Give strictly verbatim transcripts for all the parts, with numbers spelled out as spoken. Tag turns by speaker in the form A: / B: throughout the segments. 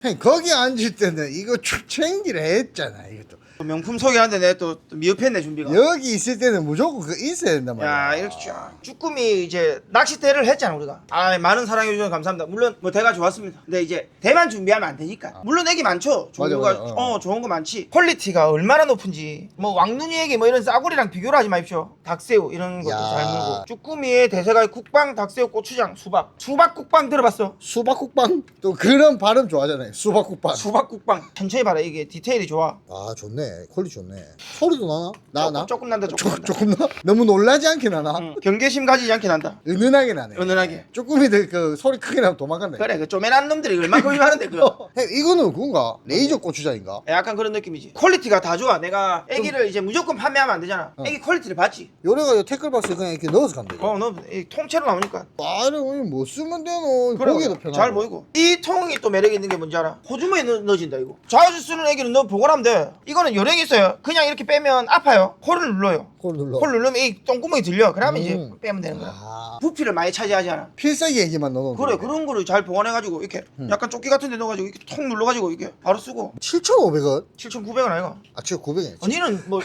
A: 형 거기 앉을 때는 이거 쭉 챙기려 했잖아 이것도.
B: 명품 소개하는데 내가 또, 또 미흡했네 준비가.
A: 여기 있을 때는 무조건 그거 있어야 된단 말이야.
B: 야 이렇게 쫙 쭈꾸미 이제 낚싯대를 했잖아 우리가. 아 많은 사랑해 주셔서 감사합니다. 물론 뭐 대가 좋았습니다. 근데 이제 대만 준비하면 안 되니까. 물론 애기 많죠. 좋은
A: 맞아,
B: 거
A: 맞아.
B: 어 좋은 거 많지. 퀄리티가 얼마나 높은지 뭐 왕눈이 애기 뭐 이런 싸구리랑 비교를 하지 마십시오. 닭새우 이런 것도
A: 야.
B: 잘 물고. 쭈꾸미의 대세가 국방, 닭새우, 고추장, 수박. 수박 국방 들어봤어?
A: 수박국빵 또 그런 발음 좋아하잖아요. 수박국빵.
B: 수박 국방. 천천히 봐라 이게 디테일이 좋아.
A: 아 좋네. 퀄리티 좋네. 소리도 나나? 나
B: 조금,
A: 나?
B: 조금 난다 조금
A: 조,
B: 난다.
A: 조금 나? 너무 놀라지 않게 나나?
B: 응, 경계심 가지지 않게 난다.
A: 은은하게 나네.
B: 은은하게.
A: 쭈꾸미들 그 소리 크게 나면 도망간다.
B: 그래 그 쪼매난 놈들이 얼마큼 많은데 그거.
A: 형, 이거는 그건가? 레이저 고추장인가?
B: 약간 그런 느낌이지. 퀄리티가 다 좋아. 내가 애기를 이제 무조건 판매하면 안 되잖아.
A: 어.
B: 애기 퀄리티를 봤지.
A: 요래가 태클박스에 그냥 이렇게 넣어서 간다 이거.
B: 어, 너 이 통째로 나오니까.
A: 아 이거 뭐 쓰면 되노.
B: 그래,
A: 보기도
B: 그래.
A: 편하고.
B: 잘 보이고. 이 통이 또 매력 있는 게 뭔지 알아? 호주머니에 넣, 넣어진다 이거. 자주 쓰는 애기는 넣어 보관하면 돼. 이거는 요령이 있어요. 그냥 이렇게 빼면 아파요. 코를 눌러요.
A: 콜 눌러.
B: 콜 누르면 이 똥구멍이 들려. 그러면
A: 음.
B: 이제 빼면 되는 거야.
A: 아,
B: 부피를 많이 차지하지 않아.
A: 필살기 얘기만 넣어놓은
B: 그래 그런 거를 잘 보관해가지고 이렇게
A: 음.
B: 약간 조끼 같은 데 넣어가지고 이렇게 통 눌러가지고 이렇게 바로 쓰고.
A: 칠천오백 원?
B: 칠천구백 원 아이가?
A: 아 칠천구백 원.
B: 어, 니는 뭐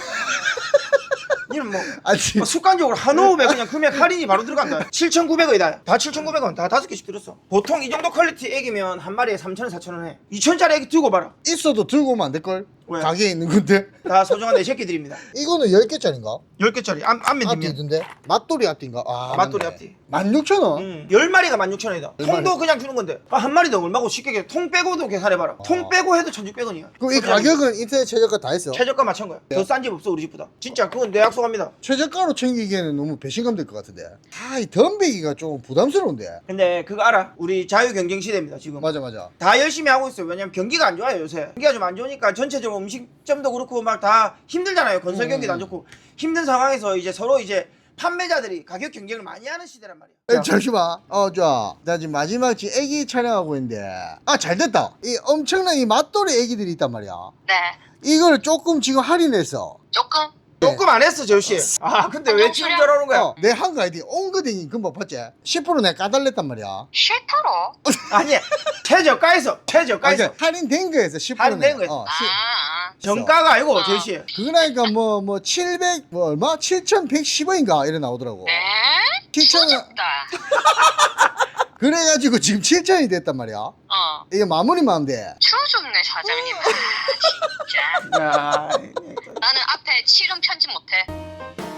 B: 니는 뭐
A: 아니
B: 뭐 습관적으로 한 호흡에 그냥 금액 할인이 바로 들어간다. 칠천구백 원이다. 다 칠천구백 원. 다 다섯 개씩 들었어. 보통 이 정도 퀄리티 애기면 한 마리에 삼천 원, 사천 원 해. 이천 원짜리 애기 들고 봐라.
A: 있어도 들고 오면 안 될걸?
B: 왜?
A: 가게에 있는 건데.
B: 다 소중한 내 새끼들입니다.
A: 이거는 열 개짜리인가?
B: 열 개짜리. 안, 안면
A: 앞뒤
B: 뒷면.
A: 있던데? 맛돌이 앞뒤인가? 아
B: 맛돌이
A: 맞네.
B: 앞뒤.
A: 만 육천 원?
B: 음, 열 마리가 만 육천 원이다.
A: 열
B: 통도
A: 마리.
B: 그냥 주는 건데. 아, 한 마리 더 얼마고 쉽게 계산. 통 빼고도 계산해봐라. 통 빼고 해도 천육백 원이야.
A: 그럼 이 가격은 인터넷 최저가 다 했어?
B: 최저가 맞춘 거야. 더 싼 집 없어 우리 집보다. 진짜 그건 내 약속합니다.
A: 최저가로 챙기기에는 너무 배신감 될 것 같은데. 아, 이 덤비기가 좀 부담스러운데.
B: 근데 그거 알아? 우리 자유 경쟁 시대입니다 지금.
A: 맞아, 맞아.
B: 다 열심히 하고 있어요. 왜냐면 경기가 안 좋아요 요새. 경기가 좀 안 좋으니까 전체적으로 음식점도 그렇고 막 다 힘들잖아요. 건설 경기도 안 좋고 힘든 상황에서 이제 서로 이제 판매자들이 가격 경쟁을 많이 하는 시대란 말이야.
A: 에, 잠시만. 어, 자, 나 지금 마지막 지금 애기 촬영하고 있는데. 아, 잘 됐다. 이 엄청난 이 맛돌이 애기들이 있단 말이야.
C: 네,
A: 이걸 조금 지금 할인했어.
C: 조금.
B: 조금 안 했어 저씨. 아 근데 왜 지금 저러는 거야?
A: 어, 내 한거 아이디 옹거댕이 금방 봤지? 십 퍼센트 내가 까달랬단 말이야.
C: 싫더러.
B: 아니 최저가에서 최저가에서
A: 아, 그러니까 할인된 거에서 십 퍼센트.
B: 할인된 거에서.
A: 어,
C: 아,
A: 시-
C: 아.
B: 정가가 아니고
C: 어.
B: 저씨.
A: 그러니까 뭐, 뭐, 칠백, 뭐, 얼마? 칠천백십 원인가? 이래 나오더라고.
C: 네?
A: 칠천 원.
C: 추적다.
A: 그래가지고 지금 칠천 원이 됐단 말이야.
C: 어.
A: 이게 마무리만 하면 돼.
C: 추워졌네 사장님. 아, 진짜.
B: 야,
C: 나는 앞에 칠은 편집 못해.